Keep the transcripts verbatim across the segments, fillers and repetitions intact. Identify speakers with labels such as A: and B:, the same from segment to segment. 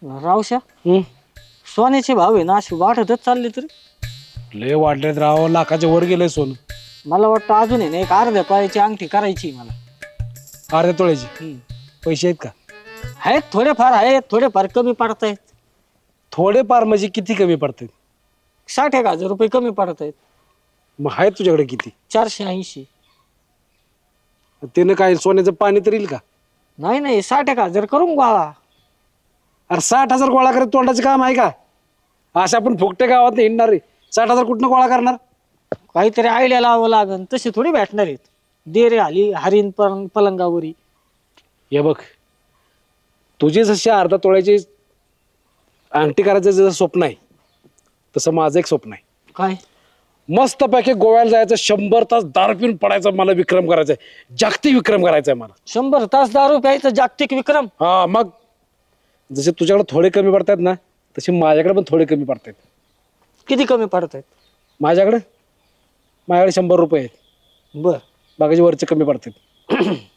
A: रावशा
B: हम्म
A: सोन्याचे भाव आहे ना अशी वाढतच चालले तरी
B: लय वाढलेत राव, लाखाच्या वर गेलंय सोनं.
A: मला वाटतं अजून आहे ना एक अर्ध्या पायाची अंगठी करायची मला.
B: अर्ध्या तोळ्याची
A: हम्म.
B: पैसे आहेत का?
A: आहेत थोडेफार आहेत, थोडेफार कमी पडत आहेत.
B: थोडेफार म्हणजे किती कमी पडतात?
A: साठ एक हजार रुपये कमी पडत आहेत.
B: मग आहेत तुझ्याकडे किती?
A: चारशे ऐंशी.
B: त्यानं काय सोन्याचं पाणी तर येईल का?
A: नाही नाही साठ एक हजार करून गोळा.
B: अरे साठ हजार गोळा करत तोंडाचं काम आहे का? अशा आपण फुकटे गावात हिंडणार रे. साठ हजार कुठनं गोळा करणार?
A: काहीतरी आयडिया लावावं लागन, तसे थोडी भेटणार आहेत. देरे आली हरिण पलंग पलंगावरी.
B: हे बघ, तुझी जशी अर्धा तोळ्याची अंगठी करायचं जसं स्वप्न आहे तसं माझं एक स्वप्न आहे.
A: काय?
B: मस्तपैकी गोव्याला जायचं, शंभर तास दारू पिऊन पडायचा, मला विक्रम करायचा आहे, जागतिक विक्रम करायचा आहे मला.
A: शंभर तास दारू प्यायचं जागतिक विक्रम?
B: हा मग जसे तुझ्याकडे थोडे कमी पडतात ना तसे माझ्याकडे पण थोडे कमी पडतात.
A: किती कमी पडत आहेत?
B: माझ्याकडे माझ्याकडे शंभर रुपये आहेत,
A: बर.
B: बाकीचे वरचे कमी पडतात.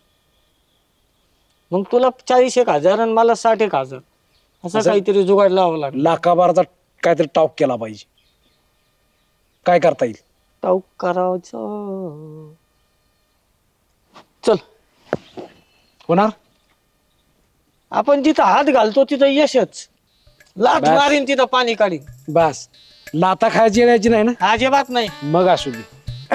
A: मग तुला चाळीस एक हजार आणि मला साठ एक हजार असं
B: असं?
A: काहीतरी जुगाड लावावं लागेल.
B: लाखाबाराचा काहीतरी टॉप केला पाहिजे. काय करता येईल?
A: टाऊक करायचं. चल
B: होणार?
A: आपण जिथं हात घालतो तिथं यशच. लाथ
B: बस.
A: मारीन तिथं पाणी काढीन.
B: बस, लाता खायची यायची नाही ना?
A: अजिबात नाही.
B: मग असू दे.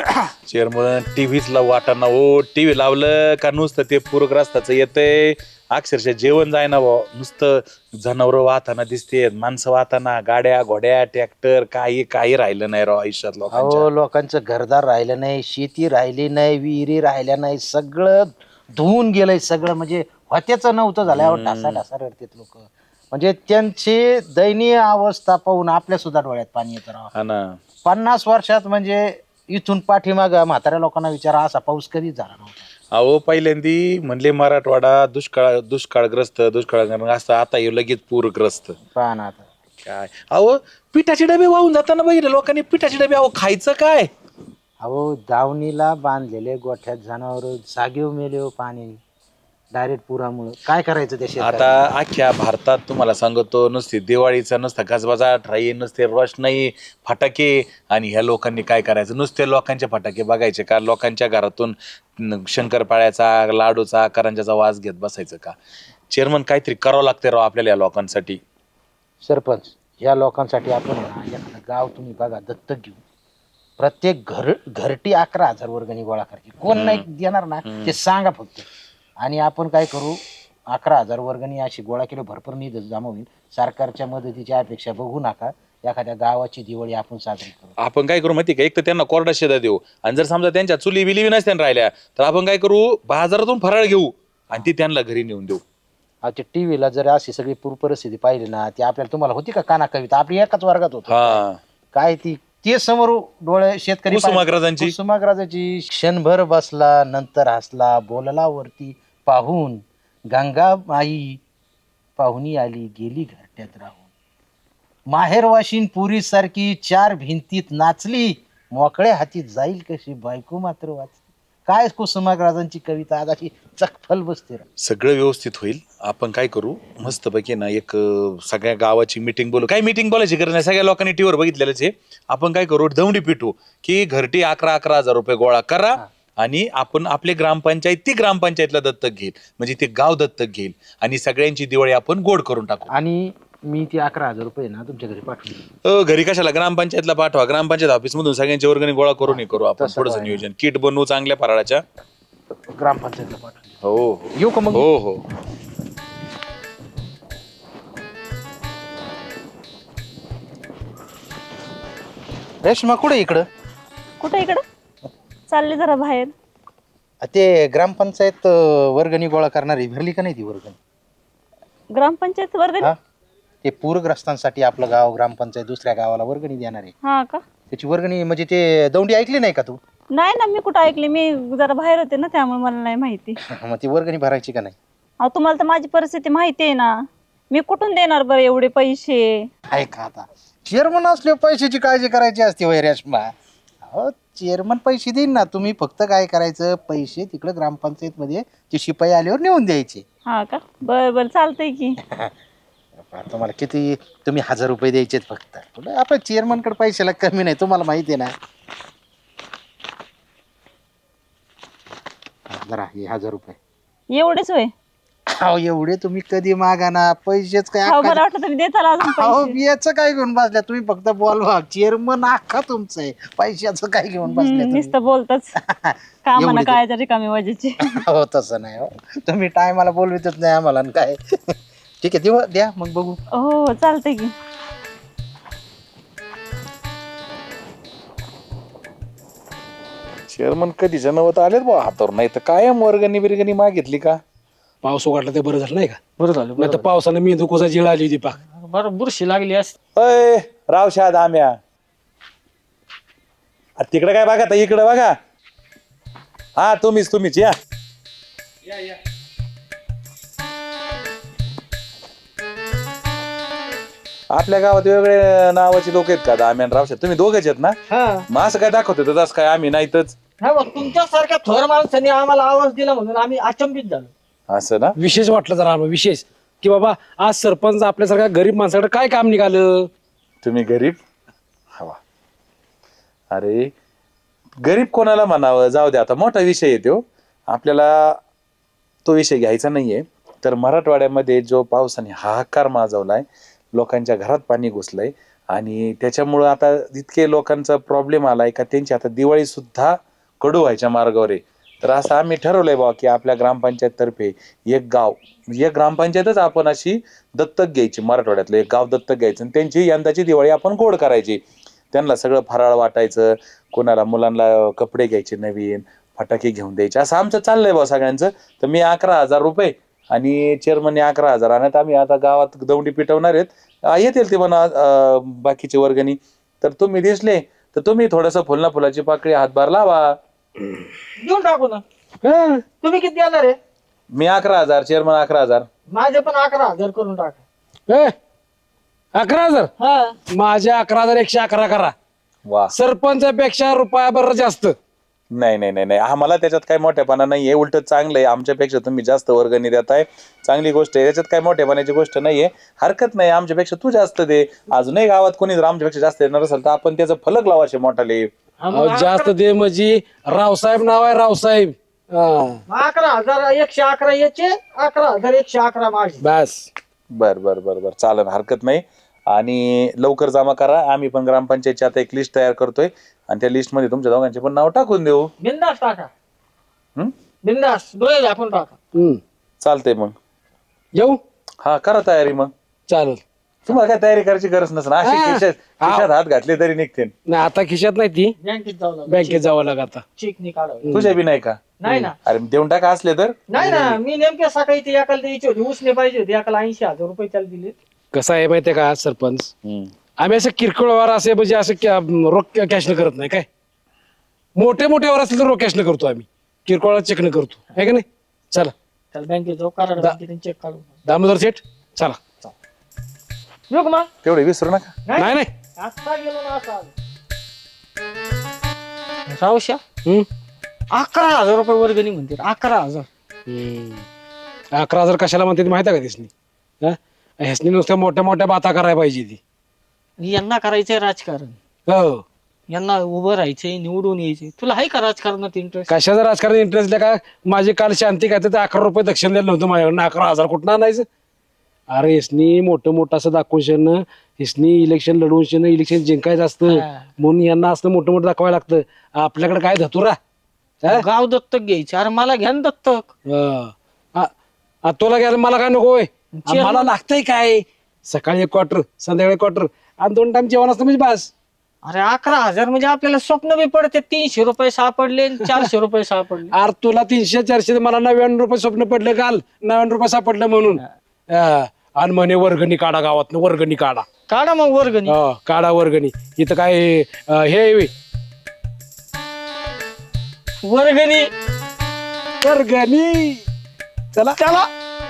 C: चेअरमन टीव्हीच लावू वाटाणा हो. टीव्ही लावलं का नुसतं ते पूरग्रस्ताचं येतंय, अक्षरशः जेवण जाय ना भाऊ. नुसतं जनावरं वाहताना दिसतेत, माणसं वाहताना, गाड्या घोड्या ट्रॅक्टर, काही काही राहिलं नाही राव आयुष्यात
D: अहो
C: लोकांच्या.
D: लोकांचं घरदार राहिलं नाही, शेती राहिली नाही, विहिरी राहिल्या नाही, सगळं धुवून गेलंय सगळं. म्हणजे होत्याचं नव्हतं झाल्यावर ढासा ढासा रडतात लोक. म्हणजे त्यांची दयनीय अवस्था पाहून आपल्या सुद्धा डोळ्यात पाणी येतं राव.
C: हा ना.
D: पन्नास वर्षात म्हणजे इथून पाठीमाग म्हाताऱ्या लोकांना विचारा असा पाऊस कधीच झाला नव्हता.
C: अहो पहिल्यांदी म्हणले मराठवाडा दुष्काळ दुष्काळग्रस्त दुष्काळ असतं, आता हे लगेच पूरग्रस्त.
D: पहा ना आता.
C: काय अहो पिठाचे डबे वाहून जाताना बघितलं लोकांनी. पिठाचे डबे अहो खायचं काय?
D: अहो दावणीला बांधलेले गोठ्यात जनावर जागेव मेले हो पाणी डायरेक्ट पुरामुळे. काय करायचं त्या शेतात?
C: आता अख्ख्या भारतात तुम्हाला सांगतो नुसती दिवाळीचा नुसता गजबजाट राही, नुसते रोषणाई फटाके, आणि ह्या लोकांनी काय करायचं? नुसते लोकांचे फटाके बघायचे का? लोकांच्या घरातून न- शंकरपाळ्याचा लाडूचा करंजाचा वास घेत बसायचं का? चेअरमन काहीतरी करावं लागते राव आपल्याला या लोकांसाठी.
D: सरपंच या लोकांसाठी आपण आहे ना एखादं गाव तुम्ही बघा दत्तक घेऊ. प्रत्येक घर घरटी अकरा हजार वर्गणी गोळा करायची. कोण नाही देणार ना ते सांगा फक्त. आणि आपण काय करू, अकरा हजार वर्गणी अशी गोळा केली, भरपूर निधी जमा होईल. सरकारच्या मदतीची अपेक्षा बघू नका. एखाद्या गावाची दिवाळी आपण साजरी करू.
C: आपण काय करू माहिती का? एक तर त्यांना कोरडा शेदा देऊ, आणि जर समजा त्यांच्या चुली बिली नसत्या राहिल्या तर आपण काय करू, बाजारातून फराळ घेऊ आणि ती त्यांना घरी नेऊन देऊ.
D: आता ते टीव्हीला जर अशी सगळी पूर परिस्थिती पाहिली ना, ती आपल्याला तुम्हाला होती का काना कविता? आपली एकाच वर्गात होतो
C: हा.
D: काय ती ते समोर डोळे शेतकरी
C: कुसुमाग्रजांची.
D: कुसुमाग्रजाची क्षणभर बसला नंतर हसला बोलला वरती पाहून गंगा माई पाहुणी आली गेली घरट्यात राहून. माहेरवाशीन पुरी सारखी चार भिंतीत नाचली मोकळ्या हाती जाईल कशी बायको मात्र वाचली. काय कुसुमाग्रजांची कविता आज अशी चकफल बसते.
C: सगळं व्यवस्थित होईल. आपण काय करू मस्तपैकी ना एक अं, सगळ्या गावाची मिटिंग बोलू. काही मिटिंग बोलायची गरज नाही, सगळ्या लोकांनी टीव्हीवर बघितलेलंच आहे. आपण काय करू, दौंडी पिटू की घरटी अकरा अकरा हजार रुपये गोळा करा आणि आपण आपले ग्रामपंचायत ती ग्रामपंचायतला दत्तक घेईल, म्हणजे ते गाव दत्तक घेईल आणि सगळ्यांची दिवाळी आपण गोड करून टाकू.
D: आणि मी ती अकरा हजार रुपये ना तुमच्या घरी पाठवून
C: अ, घरी कशाला, ग्रामपंचायतला पाठवा. ग्रामपंचायत ऑफिस मधून सगळ्यांची वर्गणी गोळा करून हे करू आपण.
D: तसं
C: थोडंसं
D: पाहिजे.
C: नियोजन किट बनवू चांगल्या फराळाच्या.
D: ग्रामपंचायतला पाठवून
C: हो हो
D: येऊ का मग?
C: हो हो.
D: रेश्मा कुठे इकडं?
E: कुठे इकडं चालले जरा बाहेर.
D: ते ग्रामपंचायत अं, वर्गणी गोळा करणारी भरली का नाही ती वर्गणी?
E: ग्रामपंचायत वर्गणी?
D: हा ते पूरग्रस्तांसाठी आपलं गाव ग्रामपंचायत दुसऱ्या गावाला वर्गणी देणार आहे.
E: हा का?
D: त्याची वर्गणी म्हणजे ते दौंडी ऐकली नाही का तू?
E: नाही ना, मी कुठं ऐकली, मी जरा बाहेर होते ना त्यामुळे मला नाही माहिती.
D: मग ती वर्गणी भरायची का नाही?
E: अहो तुम्हाला तर माझी परिस्थिती माहिती आहे ना, मी कुठून देणार बरं एवढे पैसे?
D: ऐका आता, चेअरमन असले पैशाची काळजी करायची असते वय रेश्मा. अहो चेअरमन पैसे देईन ना, तुम्ही फक्त काय करायचं, पैसे तिकडे ग्रामपंचायत मध्ये ते शिपाई आल्यावर नेऊन द्यायचे.
E: हा का? बर बर चालतंय की.
D: बापा तुम्हाला किती तुम्ही हजार रुपये द्यायचेत फक्त कुठं आपण चेअरमनकडे पैशाला कमी नाही तुम्हाला माहिती आहे ना. जरा हे हजार रुपये
E: एवढेच होय.
D: अहो एवढे तुम्ही कधी मागा ना पैसेच काय
E: हो
D: अक्का-
E: बरं वाटलं तुम्ही देताल अजून
D: अहो
E: पैसे.
D: याचं काय घेऊन बसल्या तुम्ही फक्त बोलवा चेअरमन अख्खा तुमचं आहे पैशाचं काय घेऊन बसल्या
E: हम्म,
D: तुम्ही?
E: नुसतं बोलतच कामाना
D: एवढी
E: काय तरी कमी वाजेची.
D: हो तसं नाही हो तुम्ही टायमाला बोलवितच नाही आम्हाला आणि काय ठीक आहे देऊ द्या मग बघू.
E: हो चालतंय की.
C: चेअरमन कधी जनवत आलेत बा हातावर, नाही तर कायम वर्गणी बिरगणी मागितली का.
B: पाऊस उघडला ते बरं झालं नाही का?
A: बरं झालं
B: नाही तर पावसानं मी दुकोचा जिळ आली होती पाक.
A: बरं बुरशी लागली असती.
C: अय रावशाद आम्या तिकडे काय बघा इकडे बघा. हा तुम्हीच तुम्हीच या. आपल्या गावात वेगळे नावाची लोक आहेत का दाम्यान रावशाद? तुम्ही दोघेच आहेत ना?
A: हा
C: मग असं काय दाखवत होतं तसं काय आम्ही नाहीतच.
A: हा मग तुमच्यासारख्या थोर माणसाने आम्हाला आवाज दिला म्हणून आम्ही अचंबित झालो.
C: असं ना?
B: विशेष वाटलं जरा आम्हाला विशेष की बाबा आज सरपंच आपल्यासारख्या गरीब माणसाकडे काय काम निघालं.
C: तुम्ही गरीब हवा. अरे गरीब कोणाला म्हणावं, जाऊ दे आता मोठा विषय येतो आपल्याला, तो विषय घ्यायचा नाहीये. तर मराठवाड्यामध्ये जो पावसाने हाहाकार माजवलाय, लोकांच्या घरात पाणी घुसलंय आणि त्याच्यामुळं आता इतके लोकांचा प्रॉब्लेम आलाय का त्यांची आता दिवाळी सुद्धा कडू व्हायच्या मार्गावर आहे. तर असं आम्ही ठरवलंय बाबा की आपल्या ग्रामपंचायत तर्फे एक गाव, एक ग्रामपंचायतच आपण अशी दत्तक घ्यायची, मराठवाड्यातलं एक गाव दत्तक घ्यायचं आणि त्यांची यंदाची दिवाळी आपण गोड करायची. त्यांना सगळं फराळ वाटायचं, कोणाला मुलांना कपडे घ्यायचे नवीन, फटाके घेऊन द्यायचे, असं आमचं चाललंय बा सगळ्यांचं. तर मी अकरा हजार रुपये आणि चेअरमनने अकरा हजार आणत आम्ही आता गावात दौंडी पिटवणार आहेत. येतील ते म्हणा बाकीचे वर्गणी. तर तुम्ही दिसले तर तुम्ही थोडंसं फुलना फुलाची पाकळी हातभार लावा.
A: देऊन टाकू ना.
B: हं.
A: तुम्ही किती देणार आहे?
C: मी अकरा हजार, चेअरमन अकरा हजार.
A: माझे पण अकरा हजार करून टाका.
B: ए, अकरा हजार
A: हा
B: माझ्या अकरा हजार एकशे अकरा करा.
C: वा.
B: सरपंचापेक्षा रुपया बरं जास्त.
C: नाही नाही नाही नाही आम्हाला त्याच्यात काही मोठेपणा नाहीये, उलट चांगलं आहे. आमच्यापेक्षा तुम्ही जास्त वर्गणी देताय, चांगली गोष्ट आहे. त्याच्यात काही मोठेपणाची गोष्ट नाहीये, हरकत नाही. आमच्यापेक्षा तू जास्त दे. अजूनही गावात कोणी जर आमच्यापेक्षा जास्त देणार असेल तर आपण त्याचं फलक लावायचे मोठाले.
A: हा,
B: अहो,
A: मग
B: जास्त दे म्हणजे रावसाहेब नाव आहे रावसाहेब. हा,
A: मग अकरा हजार एकशे अकरा याचे, अकरा हजार एकशे अकरा माझे.
B: बस.
C: बर बर बर बर चालेल, हरकत नाही. आणि लवकर जमा करा. आम्ही पण ग्रामपंचायतची आता एक लिस्ट तयार करतोय आणि त्या लिस्ट मध्ये तुमच्या दोघांचे पण नाव टाकून देऊ.
A: बिंदास टाका.
C: हम्म?
A: बिंदास डोळे झाकून टाका.
B: हम्म.
C: चालतंय मग.
B: येऊ
C: हा करा तयारी मग.
B: चालेल.
C: तुम्हाला काय तयारी करायची गरज नसेल, अशी
B: हा.
C: खिशात खिशात हात घातले तरी निघते.
B: नाही आता खिशात नाही ती,
A: बँकेत जाऊ लागलो.
B: बँकेत जावं लागत आता.
A: चेक नि काढावं.
C: तुझ्या बी नाही का?
A: नाही ना
C: अरे देऊन टाका असले तर.
A: नाही ना मी नेमके सकाळी ते एकाला द्यायची होती, उसने पाहिजे होती एकाला ऐंशी हजार रुपये त्याला दिले.
B: कसं आहे माहितीये का सरपंच,
C: हम्म.
B: आम्ही असं किरकोळ व्यवहार असे म्हणजे असं क्या- रोख कॅश न करत नाही. काय मोठे मोठे व्यवहार असले तर रोख कॅश न करतो आम्ही, किरकोळ चेक न करतो. आहे का नाही? चला
A: त्याला बँकेत जाऊ कराड
B: दा-
A: बँकेत चेक काढू.
B: दामोदर सेठ चला.
A: येऊ का मग?
C: तेवढे विसरू नका.
B: नाही नाही
A: आता गेलो ना आता आलो. रावश्या
B: हम्म.
A: अकरा हजार रुपये वर्गणी म्हणते. अकरा हजार
B: हम्म. अकरा हजार कशाला म्हणते ते माहिती आहे का दिसनी? हा? ह्यासनी नुसत्या मोठ्या मोठ्या बाता करायला पाहिजे ती.
A: यांना करायचंय राजकारण,
B: हो.
A: यांना उभं राहायचंय, निवडून यायचंय. तुला आहे का राजकारणात इंटरेस्ट?
B: कशाचं राजकारण इंटरेस्ट का? माझी काल शांती काय तर अकरा रुपये दक्षिण द्यायला नव्हतं माझ्याकडनं. अकरा हजार कुठं आणायचं? अरे हिसनी मोठं मोठं असं दाखवून शेणं, हिसनी इलेक्शन लढवून शेणं, इलेक्शन जिंकायचं असतं
A: हा.
B: म्हणून यांना असं मोठं मोठं दाखवायला लागतं. आपल्याकडे काय धतुरा? हा?
A: गाव दत्तक घ्यायचे. अरे मला घ्या ना दत्तक.
B: हा. आ- आ, तुला घ्यायला मला काय नको होय? आ,
A: चेअरमन-
B: मला लागतंय काय? सकाळी एक क्वार्टर, संध्याकाळी क्वार्टर आणि दोन टाइम जेवण असतं म्हणजे बस.
A: अरे अकरा हजार म्हणजे आपल्याला स्वप्न बी पडते. तीनशे रुपये सापडले आणि चारशे रुपये सापडले.
B: अरे तुला तीनशे चारशे, मला नव्याण्णव रुपये स्वप्न पडलं काल, नव्याण्णव रुपये सापडलं म्हणून. हा. आणि म्हणे वर्गणी काढा, गावात वर्गणी काढा.
A: काढा मग वर्गणी.
B: हा, काढा वर्गणी. इथं काय अं, हे आहे व्हय?
A: वर्गणी
B: वर्गणी. चला
A: चला.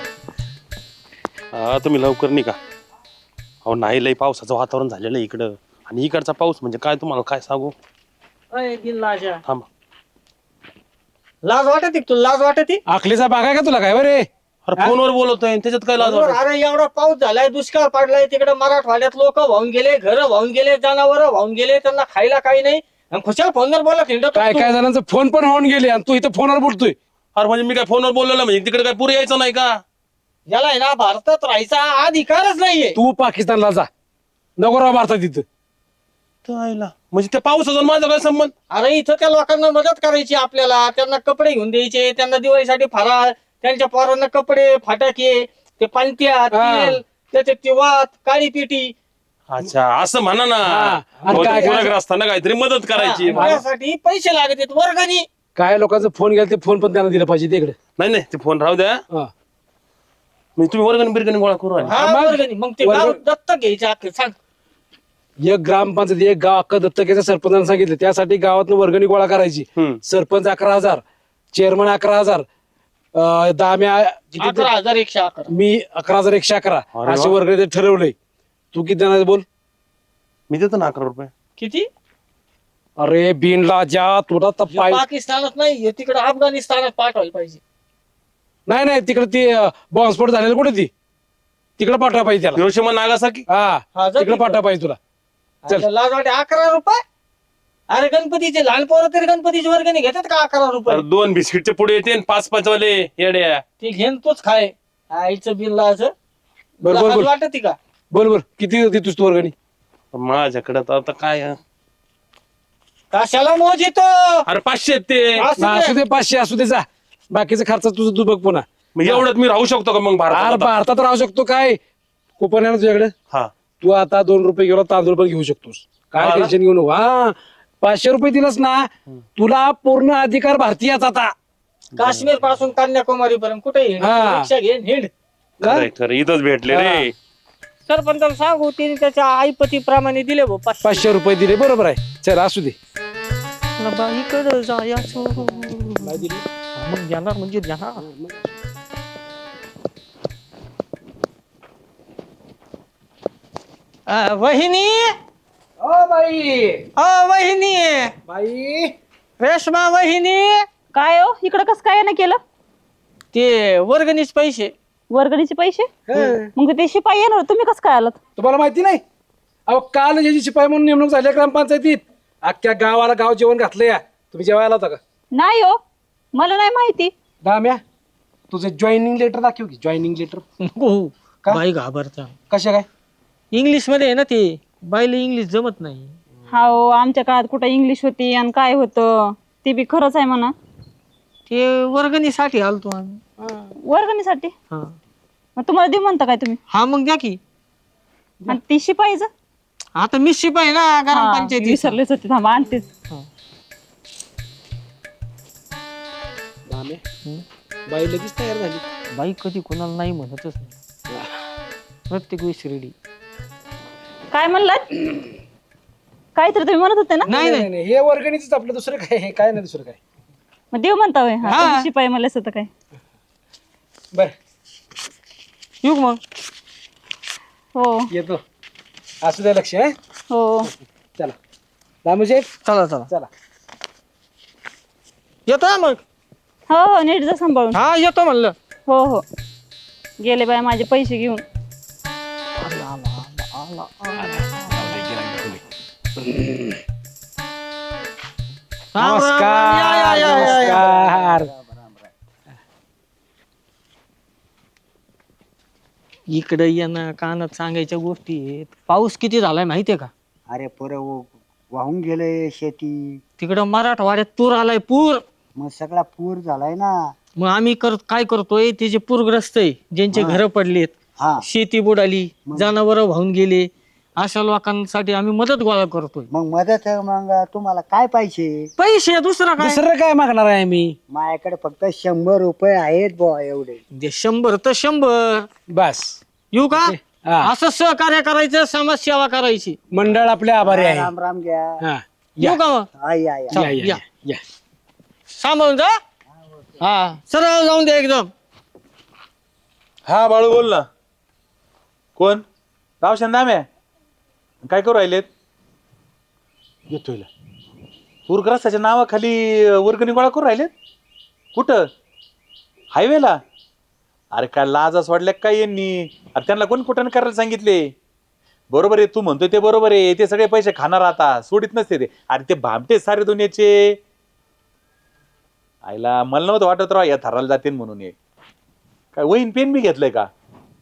F: हा तुम्ही लवकर निघा. अहो नाही लय पावसाचं वातावरण झालेलं आहे इकडं, आणि इकडचा पाऊस म्हणजे काय तुम्हाला काय सांगू.
A: अय, बिन लाजा.
F: थांबा.
A: लाज वाटते तुला? लाज वाटते?
B: आखलीचा बाग आहे का तुला काय बरे?
F: अरे फोनवर बोलतोय त्याच्यात काय लाज
A: बरोबर,
F: वाटत?
A: अरे एवढा पाऊस झालाय, दुष्काळ पडलाय तिकडे मराठवाड्यात, लोक वाहून गेले, घर वाहून गेले, जनावर वाहून गेले, त्यांना खायला काही नाही, आणि खुशाल फोनवर बोला हिंडत
B: काय
A: असतो.
B: काय जणांचा फोन पण होऊन गेले आणि तू इथं फोनवर बोलतोय.
F: अरे म्हणजे मी काय फोनवर बोललेलं म्हणजे तिकडे काय पुरे यायचं नाही का?
A: याला आहे ना भारतात राहायचा अधिकारच नाहीये.
B: तू पाकिस्तानला जा, नको राव भारतात तिथं.
F: तर आईला म्हणजे त्या पावसाचा माझा काय संबंध?
A: अरे इथं त्या लोकांना मदत करायची आपल्याला, त्यांना कपडे घेऊन द्यायचे, त्यांना दिवाळीसाठी फराळ, त्यांच्या पोरांना कपडे, फटाके, ते पांत्या, तेल, त्याचे ते वात, काळी पिठी,
F: अच्छा असं म्हणा ना.
B: आणि काय-
F: गुन्हेगार असताना काहीतरी मदत करायची.
A: हा, त्यासाठी पैसे लागत आहेत वर्गणी.
B: काय लोकांचा फोन गेला ते फोन पण त्यांना दिला पाहिजे तिकडे.
F: नाही नाही ते फोन राहू द्या.
B: हा.
F: म्हणजे तुम्ही वर्गणी बिरगणी गोळा करू राहिले.
A: हा,
B: मग-
A: वर्गणी. मग ते
B: वर्ग-
A: गाव दत्तक घ्यायचे अख्खे, सांग.
B: एक ग्रामपंचायत एक गाव अख्खा दत्तकेच्या सरपंचाने सांगितलं त्यासाठी गावातनं वर्गणी गोळा करायची.
F: हम्म.
B: सरपंच अकरा हजार, चेअरमन अकरा हजार, अं, दाम्या किती ते-
A: अकरा हजार एकशे अकरा.
B: मी अकरा हजार एकशे अकरा
F: अरे
B: अशी
F: वा.
B: वर्गणी ते ठरवलंय. तू किती देणार बोल?
F: मी देतो ना अकरा रुपये.
A: किती?
B: अरे बिनला ज्या तुला तर पाय
A: पाकिस्तानात नाही, तिकडे अफगाणिस्तानात पाठवायला पाहिजे.
B: नाही नाही तिकडे ती बॉम्बस्फोट झालेला कुठे ती तिकडे पाठवा पाहिजे त्याला.
F: Hiroshima Nagasaki.
B: हा
A: हा, जा
B: तिकडे
A: तिकडं.
B: पाठवा पाहिजे तुला. चल.
A: अरे लाज वाटे अकरा रुपये. अरे गणपतीचे लहान पोरं तरी गणपतीची वर्गणी घेतात का अकरा रुपये?
F: अरे दोन बिस्किटचे पुढे येते आणि पाच पाच वाले येड्या.
A: ते घेन तोच खाय. आईचं बिल लाज.
B: बरोबर
A: लाज
B: बोल
A: वाटत का?
B: बोल बोल किती होती तुझ तू वर्गणी?
F: माझ्याकडे तर आता काय आहे?
A: कशाला मोज येतो?
F: अरे पाचशे आहेत ते.
A: असू दे.
B: असू दे पाचशे असू दे जा. बाकीचा खर्च तुझं तू बघ पुन्हा.
F: मग एवढ्यात मी राहू शकतो का मग
B: अरे
F: भारतात आता?
B: भारतात राहू शकतो काय कुपन आहे ना तुझ्याकडे?
F: हा
B: तू आता दोन रुपये गेलो तांदूळ पण घेऊ शकतोस. काय
F: हा ना?
B: टेन्शन घेऊ नको. हा पाचशे रुपये दिलंस ना तुला पूर्ण अधिकार भारतीयाचा आता.
A: काश्मीर पासून कन्याकुमारी पर्यंत कुठे
B: हा.
A: रिक्षा घे हिंड.
F: खरंय, खरं इथंच भेटले रे.
A: सरपंचाला सांगू तिने त्याच्या आईपती प्रमाणे दिले भाऊ पाचशे.
B: पाचशे रुपये दिले बरोबर आहे. चल असू दे.
A: बाईकडे जायचं मग देणार म्हणजे देणार. अ, वहिनी
B: ओ बाई
A: अ वहिनी
B: बाई
A: रेशमा वहिनी,
E: काय हो इकडं कसं काय नाही केलं?
A: ते वर्गणीच पैसे.
E: वर्गणीचे पैसे? मग ते शिपाई येणार, तुम्ही कसं काय आलात?
B: तुम्हाला माहिती नाही अहो काल ज्याची शिपाई म्हणून नेमणूक झाली ग्रामपंचायतीत अख्ख्या गावाला गाव जेवण घातलं या. तुम्ही जेवायला होता का?
E: नाही हो, मला नाही माहिती.
B: दाम्या तुझं जॉईनिंग लेटर दाखव की जॉईनिंग लेटर.
A: हो,
B: का?
A: बाई घाबरता.
B: कशा काय?
A: इंग्लिश मध्ये आहे ना ते, बाईला इंग्लिश जमत नाही.
E: हा हो, आमच्या काळात कुठं इंग्लिश होती आणि काय होतं ते बी खरंच आहे म्हणा.
A: ते वर्गणीसाठी आलतो आम्ही.
E: वर्गणीसाठी?
A: हा
E: मग तुम्हाला देऊ म्हणता काय तुम्ही?
A: हा मग द्या की.
E: आणि ती शिपाईचं?
A: आता मी शिपाई ना
E: हा,
A: ग्रामपंचायती.
E: विसरलेच होते, थांबा आणतेच.
B: दाम्या बाई लगेच तयार झाली.
A: बाई कधी कोणाला नाही म्हणतच नाही, प्रत्येक वेळेस रेडी.
E: काय म्हणलात? काहीतरी तुम्ही म्हणत होते ना?
A: नाही नाही
B: नाही नाही हे वर्गणीच आपलं दुसरं काय हे काय नाही दुसरं काय.
E: मग देऊ म्हणता होय? हा,
A: हा.
E: तुम्ही शिपाई म्हणलेस होतं काय?
B: बर
A: येऊ का मग?
E: हो
B: येतो. असू द्या लक्ष आहे.
E: हो.
B: चला दामू साहेब
A: चला चला
B: चला.
A: येतो ना मग.
E: हो हो, नीट जा सांभाळून.
A: हा येतो म्हणलं.
E: हो हो, गेले बाय माझे पैसे घेऊन.
A: राम, राम, राम. या, या, या, या, या.
B: नमस्कार.
A: इकडे ये ना, कानात सांगायच्या गोष्टी आहेत. पाऊस किती झालाय माहितीये का?
G: अरे पोरं व- वाहून गेले शेती,
A: तिकडं मराठवाड्यात पूर आलाय, पूर.
G: मग सगळा पूर झालाय ना.
A: मग आम्ही कर काय करतोय, ते जे पूरग्रस्त आहे ज्यांचे घर पडलेत,
G: हा
A: शेती बुडाली, जनावर वाहून गेले, अशा लोकांसाठी आम्ही मदत गोळा करतोय.
G: मग मदत मग तुम्हाला काय पाहिजे?
A: पैसे दुसरा काय?
B: दुसरं काय मागणार आहे मी?
G: माझ्याकडे फक्त शंभर रुपये आहेत बुवा एवढे.
A: दे शंभर तर शंभर.
B: बस
A: येऊ का?
B: हा.
A: असं सहकार्य करायचं, समाजसेवा करायची.
B: मंडळ आपले आभारी आहे.
G: राम राम घ्या.
B: हा
A: येऊ का मग?
G: हा, या या.
A: चल,
B: या, या,
A: या.
B: या.
A: सांभाळून जा. हा सरळ जाऊन दे एकदम.
C: हा बाळू बोल ना. कोण? रावशन नाम्या. काय करू राहिलेत?
B: येतोय ना.
C: पूरग्रस्ताच्या नावाखाली वर्गणी गोळा करू राहिलेत? कुठं? हायवेला? अरे काय लाजा सोडल्या काय यांनी? अरे त्यांना कोण कुठं करायला सांगितले? बरोबर आहे, तू म्हणतोय ते बरोबर आहे. ते सगळे पैसे खाणार आता, सोडित नसते ते. अरे ते भामटे सारे दुनियाचे. आईला मला नव्हतं वाटत राव या थराला जाते म्हणून. हे काय वहीन पेन बी घेतलंय का?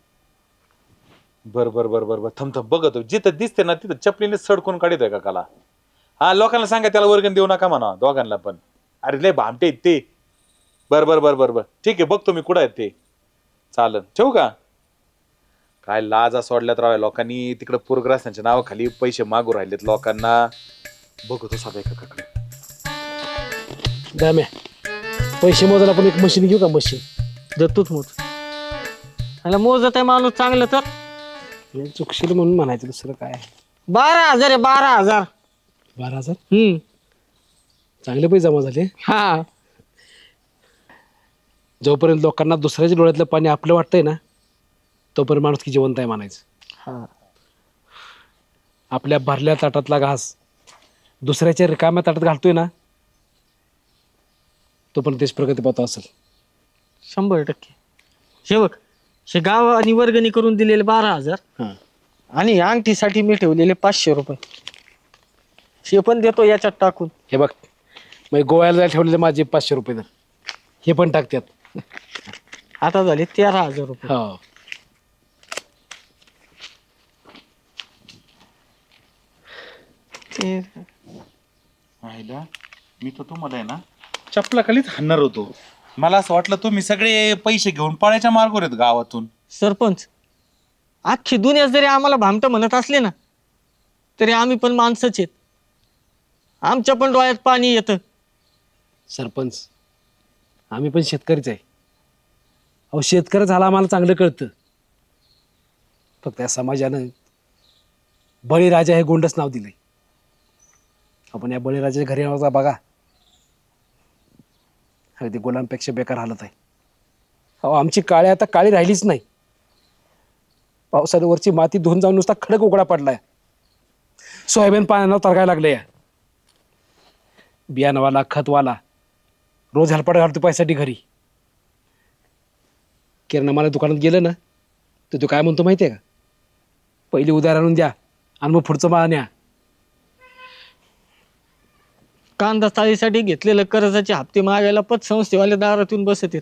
C: बर बर बर बर बर थम थम बघतो. जिथं दिसते ना तिथं चपलीने सडकून काढतोय का काला? हा लोकांना सांगा त्याला वर्गण देऊ नका म्हणा दोघांना पण. अरे लय भामटे आहेत ते. बर बर बर बर बर ठीक आहे, बघतो मी कुठं आहेत ते. चालन, ठेवू का? काय लाजा सोडल्यात राव लोकांनी. तिकडे पूरग्रस्तांच्या नावाखाली पैसे मागू राहिलेत लोकांना. बघतो सगळं काकाकडे.
B: दाम्या पैसे मोजायला पण एक मशीन घेऊ का? मशीन
A: देतोच मोज. त्याला मोजत आहे माणूस चांगलं तर.
B: चुकशील म्हणून म्हणायचं, दुसरं काय.
A: बारा हजार आहे, बारा हजार.
B: बारा हजार
A: हम्म
B: चांगले पैसे जमा झाले.
A: हा
B: जोपर्यंत लोकांना दुसऱ्याच्या डोळ्यातलं पाणी आपलं वाटतंय ना, तोपर्यंत माणूस की जिवंत आहे म्हणायचं.
A: हा
B: आपल्या भरल्या ताटातला घास दुसऱ्याच्या रिकाम्या ताटात घालतोय ना, तोपर्यंत देश प्रगती पथावर असेल.
A: शंभर टक्के. हे बघ, हे गाव आणि वर्गणी करून दिलेले बारा हजार
B: हां
A: आणि अंगठीसाठी मी ठेवलेले पाचशे रुपये हे पण देतो याच्यात टाकून.
B: हे बघ, मग गोव्याला जायला ठेवलेले माझे पाचशे रुपये तर हे पण टाकतात.
A: आता झाले तेरा हजार रुपये.
B: हो
A: ते
C: आईला मी तर तुम्हाला आहे ना चपला खालीच हाणणार होतो. मला असं वाटलं तुम्ही सगळे पैसे घेऊन पळायच्या मार्गावर आहेत गावातून.
A: सरपंच, अख्खी दुनिया जरी आम्हाला भामट म्हणत असले ना, तरी आम्ही पण माणसंच आहेत. आमच्या पण डोळ्यात पाणी येतं.
B: सरपंच, आम्ही पण शेतकरीच आहे. अहो शेतकरी झाला आम्हाला चांगलं कळतं. फक्त या समाजानं बळीराजा हे गोंडच नाव दिलंय. आपण या बळीराजाच्या घरी आवाजा बघा, अगदी गुलामपेक्षा बेकार हालत आहे. अहो आमची काळी आता काळी राहिलीच नाही. पावसाळ्यावरची माती धुवून जाऊन नुसता खडक उघडा पडलाय. सोयाबीन पाण्यानं तरगायला लागले. या बियाणवाला खतवाला रोज हेलपाट घालतो पैशासाठी घरी. किराणा मला दुकानात गेलं ना, तर तू काय म्हणतो माहिती आहे का? पहिली उधार आणून द्या आणि मग पुढचं माल न्या.
A: कांदा चाळीसाठी घेतलेलं कर्जाचे हप्ते मागायला पतसंस्थेवाले दारात येऊन बसत आहेत.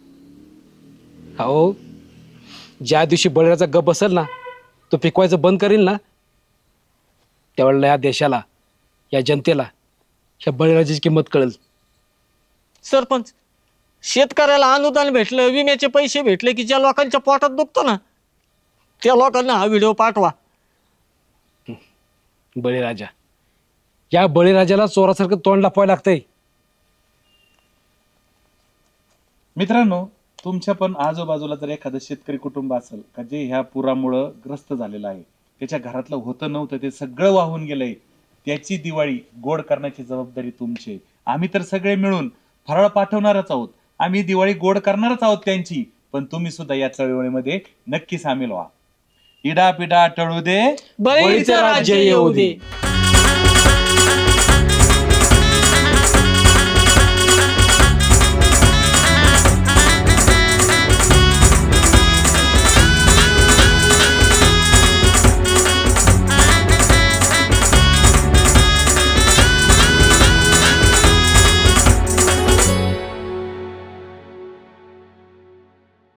B: हो, ज्या दिवशी बळीराजा गप बसेल ना, तो पिकवायचं बंद करील ना, त्यावेळेला या देशाला, या जनतेला ह्या बळीराजाची किंमत कळेल.
A: सरपंच, शेतकऱ्याला अनुदान भेटलं, विम्याचे पैसे भेटले की ज्या लोकांच्या पोटात दुखतो ना, त्या लोकांना हा व्हिडिओ पाठवा.
B: बळीराजा, या बळीराजाला चोरासारखं तोंड लपवायला लागतंय.
C: मित्रांनो, तुमच्या पण आजूबाजूला जर एखादं शेतकरी कुटुंब असेल का जे ह्या पुरामुळं ग्रस्त झालेलं आहे, त्याच्या घरातलं होतं नव्हतं ते सगळं वाहून गेलंय, त्याची दिवाळी गोड करण्याची जबाबदारी तुमची. आम्ही तर सगळे मिळून फराळ पाठवणारच आहोत. आम्ही दिवाळी गोड करणारच आहोत त्यांची. पण तुम्ही सुद्धा या चळवळीमध्ये नक्की सामील व्हा. इडा पिडा टळू दे,
A: बळीचं राज्य येऊ दे.